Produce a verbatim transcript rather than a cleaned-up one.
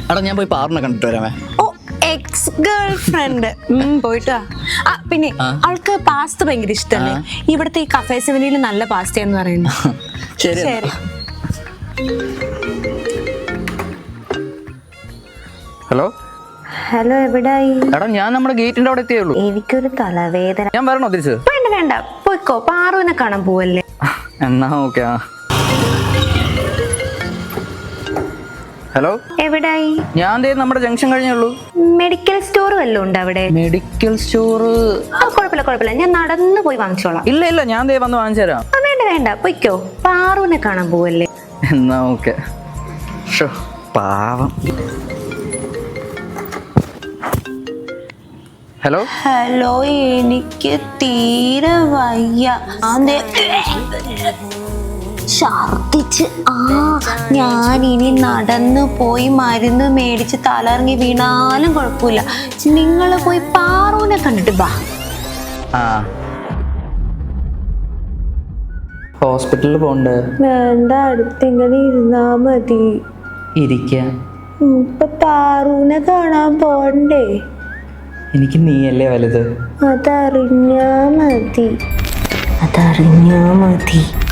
എടാ ഞാൻ പോയി പാറിനെ കണ്ടിട്ട് വരാമേ. ഓ എക്സ് ഗേൾ ഫ്രണ്ട് പോയിട്ടാ. ആ പിന്നെ അവൾക്ക് പാസ്ത ഭയങ്കര ഇഷ്ടമല്ലേ? ഇവിടുത്തെ ഈ കഫേ സെവനിൽ നല്ല പാസ്ത എന്ന് പറയുന്നു. ശരി ശരി. ഹലോ ഹലോ എവിടായി? എടാ ഞാൻ നമ്മുടെ ഗേറ്റിന്റെ അവിടെ എത്തിയുള്ളൂ. എനിക്കൊരു തലവേദന. ഞാൻ വരണോ തിരിച്ച്? വേണ്ട വേണ്ട പോയിക്കോ, പാറുവിനെ കാണാൻ പോവല്ലേ. എന്നാ ഓക്കെ. ഹലോ എവിടായി? ഞാൻ ദേ നമ്മുടെ ജംഗ്ഷൻ കഴിഞ്ഞുള്ളൂ. മെഡിക്കൽ സ്റ്റോർ വല്ലതും ഉണ്ട് അവിടെ? മെഡിക്കൽ സ്റ്റോർ ആ കുഴപ്പമില്ല കുഴപ്പമില്ല, ഞാൻ നടന്നു പോയി വാങ്ങിച്ചോളാം. ഇല്ല ഇല്ല ഞാൻ ദേ വന്ന് വാങ്ങിച്ചു തരാം. ആ വേണ്ട വേണ്ട പോയിക്കോ, പാറുവിനെ കാണാൻ പോവല്ലേ. എന്നാ ഓക്കെ. പാവം. ഹലോ ഹലോ എനിക്ക് തീരെ വയ്യ, ഛർദിച്ച്. ആ ഞാൻ ഇനി നടന്നു പോയി മരുന്ന് മേടിച്ച് തലറങ്ങി വീണാലും കുഴപ്പമില്ല. നിങ്ങൾ പോയി പാറുവിനെ കണ്ടിട്ട് ബാ. ആ ഹോസ്പിറ്റലിൽ പോണ്ടേ? വേണ്ട, അടുത്തിങ്ങനെ ഇരുന്നാ മതി. ഇരിക്കാം. ഇപ്പൊ പാറുവിനെ കാണാൻ പോണ്ടേ? എനിക്ക് നീയല്ലേ വലുത്. അതറിഞ്ഞാ മതി, അതറിഞ്ഞാ മതി.